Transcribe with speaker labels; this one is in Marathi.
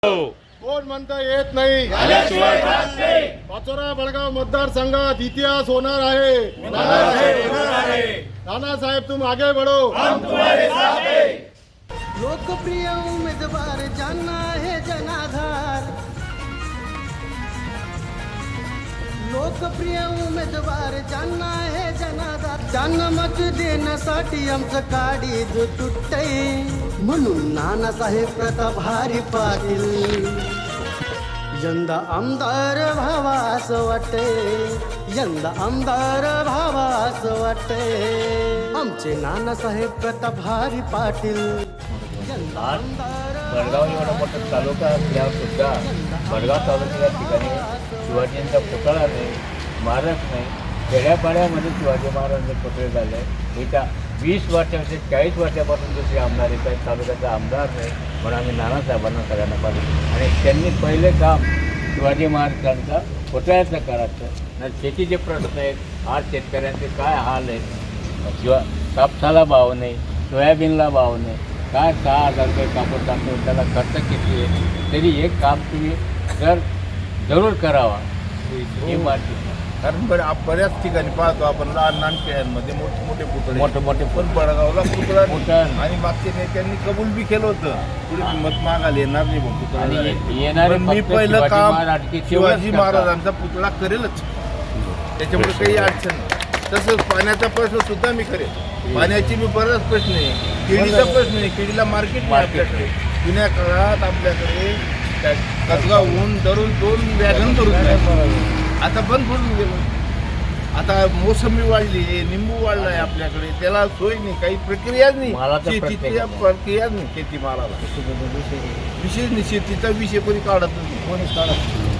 Speaker 1: कोण म्हणता येत नाही पाचोरा बडगाव मतदारसंघात इतिहास होणार आहे नानासाहेब तुम आगे बढ़ो
Speaker 2: लोकप्रिय उमेदवार ज्यांना आहे जनाधार लोकप्रिय उमेदवार ज्यांना आहे जनाधार त्यांना मत देण्यासाठी आमचं काळीज तुटतंय म्हणून नानासाहेब प्रताप हरी पाटील यंदा आमदार व्हावा असं वाटतंय यंदा आमदार व्हावा असं वाटतंय आमचे नानासाहेब प्रताप हरी पाटील यंदा आमदार
Speaker 3: बडगाव एवढा मोठा तालुका असल्यावर सुद्धा बडगाव तालुक्याच्या ठिकाणी शिवाजींचा पुतळा नाही स्मारक नाही खेड्यापाड्यामध्ये शिवाजी महाराजांचे पुतळे झाले येत्या 20 वर्षाचे 40 वर्षापासून दुसरे आमदार येत आहेत तालुक्याचा आमदार नाही म्हणून आम्ही नानासाहेबांना सगळ्यांना पाहिजे आणि त्यांनी पहिले काम शिवाजी महाराजांचा पुतळ्याचं करायचं ना शेतीचे प्रश्न आहेत आज शेतकऱ्यांचे काय हाल आहेत कापसाला भाव नाही सोयाबीनला भाव नाही काय 6,000 रुपये कापूस टाकतो त्याला खर्च किती आहे तरी एक काम तुम्ही जरूर करावा ही माहिती
Speaker 4: कारण बऱ्याच ठिकाणी पाहतो आपण लहान खेळांमध्ये मोठे
Speaker 3: मोठे
Speaker 4: पण बडगावला पुतळा
Speaker 3: पुतळा
Speaker 4: आणि मागच्या नेत्यांनी कबूल बी केलं होतं पुढे मत मागायला येणार नाही बघ पुतळा
Speaker 3: आणि
Speaker 4: नाही.
Speaker 3: येणारे
Speaker 4: पण मी
Speaker 3: फक्त
Speaker 4: पहिलं
Speaker 3: शिवाजी
Speaker 4: काम
Speaker 3: महाराज की
Speaker 4: शिवाजी
Speaker 3: तेवढंच
Speaker 4: महाराजांचा पुतळा करेलच त्याच्यामुळे काही अडचण नाही तसंच पाण्याचा प्रश्न सुद्धा मी करेल पाण्याची मी बराच प्रश्न आहे केळीचा प्रश्न आहे केळीला मार्केट नाही आपल्याकडे जुन्या काळात आपल्याकडे कसगावहून दरून 2 वॅगन करून आता बंद पडून गेलं आता मोसंबी वाढली निंबू वाढलाय आपल्याकडे त्याला सोय नाही काही प्रक्रियाच नाही
Speaker 3: मालाचा
Speaker 4: शेतीच्या प्रक्रियाच नाही शेतीमालाला विशेष नाही शेतीचा विषय कोणी काढत नाही कोणीच काढत नाही